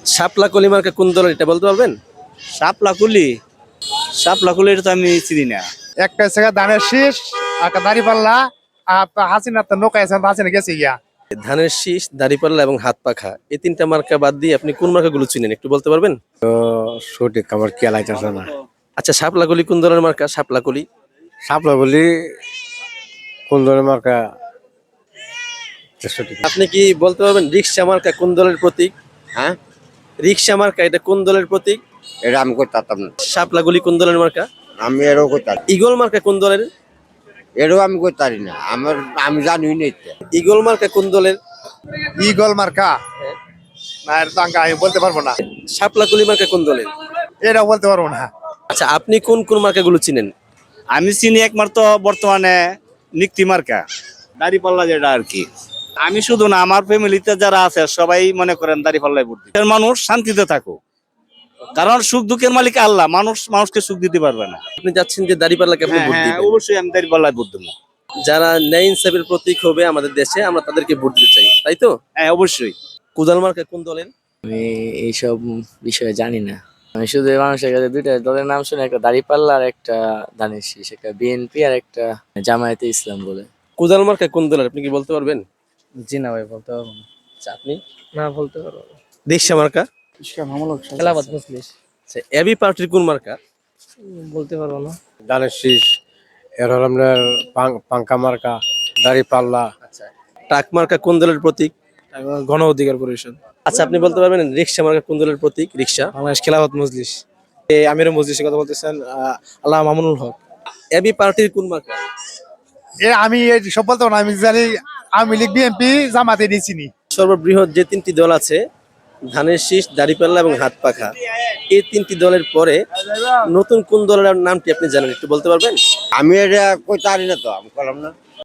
শাপলা কলি মার্কা কোন দলের এটা বলতে পারবেন? শাপলাকুলি শাপলাকুলি এটা তো আমি চিনি না। একটা হচ্ছে ধানের শীষ, একটা দাঁড়িপাল্লা, আর হাসিনা তো নৌকায় আছে, হাসিনা গেছে গিয়া। ধানের শীষ, দাড়িপাল্লা এবং হাত পাখা, এই তিনটা মার্কা বাদ দিয়ে আপনি কোন মার্কাগুলো চিনেন একটু বলতে পারবেন? সঠিক আমার খেয়াল আইতেছে না। আচ্ছা, শাপলা কলি কোন দলের মার্কা? শাপলা কলি সাপলা বলি কোন ধরনের মার্কা সঠিক। আপনি কি বলতে পারবেন রিক্সা মার্কা কোন দলের প্রতীক? হ্যাঁ, রিক্সা মার্কা এটা কোন দলের প্রতীক? এটা আমি করতাম না। শাপলা গলি কোন দলের মার্কা? আমি এরও করতাম, ইগল মার্কা কোন দলের? এরও আমি করতারি না। আমি জানি না এটা। ইগল মার্কা কোন দলের? ইগল মার্কা না, এটা তো আমি বলতে পারবো না। শাপলা কলি মার্কা কোন দলের? এটাও বলতে পারবো না। আচ্ছা, আপনি কোন কোন মার্কাগুলো চিনেন? আমি চিনি একমাত্র বর্তমানে নিক্তি মার্কা, দাড়িপাল্লা যেটা আর কি। আমি শুধু না, আমার ফ্যামিলিতে যারা আছে সবাই মনে করেন দাড়িপাল্লায় ভোট দিবে। মানুষ শান্তিতে থাকুক, কারণ সুখ দুঃখের মালিক আল্লাহ, মানুষকে সুখ দিতে পারবে না। আপনি যাচ্ছেন যে দাড়িপাল্লাকে আপনি ভোট দিবেন। অবশ্যই আমি দাড়িপাল্লায় ভোট দেবো। যারা ন্যায় ইনসাফের প্রতীক হবে আমাদের দেশে, আমরা তাদেরকে ভোট দিতে চাই, তাই তো? হ্যাঁ, অবশ্যই। কোদাল মার্কা কোন দলের? আমি এইসব বিষয়ে জানি না। আমি শুধু এই মানুষের কাছে দুইটা দলের নাম শুনে, একটা দাঁড়িপাল্লা আর একটা ধানের শীষ, একটা বিএনপি আর একটা জামায়াতে ইসলাম বলে। কোদাল মার্কা কোন দলের আপনি কি বলতে পারবেন? জি না ভাই, বলতে পারবো না। আচ্ছা, আপনি? না, বলতে পারবো না। রিক্সা মার্কা? খেলাবাদ মুসলিশ। আচ্ছা, এবি পার্টির কোন মার্কা? বলতে পারবো না। ধানের শীষ, এর হল আপনার পাঙ্কা মার্কা, দাড়ি পাল্লা। আচ্ছা, টাক মার্কা কোন দলের প্রতীক? গণ অধিকার পরিষদ। আচ্ছা, আপনি বলতে পারবেন রিক্সা মার্কা কোন দলের প্রতীক? রিক্সা। বাংলাদেশ খেলাফত মজলিস। আমির মজলিসের কথা বলতেছেন, আল্লাহ মামুনুল হক। এবি পার্টির কোন মার্কা? আমি এই সব বলতে পারবো না। আমি জানি আওয়ামী লীগ, বিএনপি, জামাতে নিয়ে চিনি। সর্ববৃহৎ যে তিনটি দল আছে, ধানের শীষ, দাড়িপাল্লা এবং হাত পাখা, এই তিনটি দলের পরে নতুন কোন দলের নামটি আপনি জানেন একটু বলতে পারবেন? আমি এটা করতারি না, তো আমি করলাম না।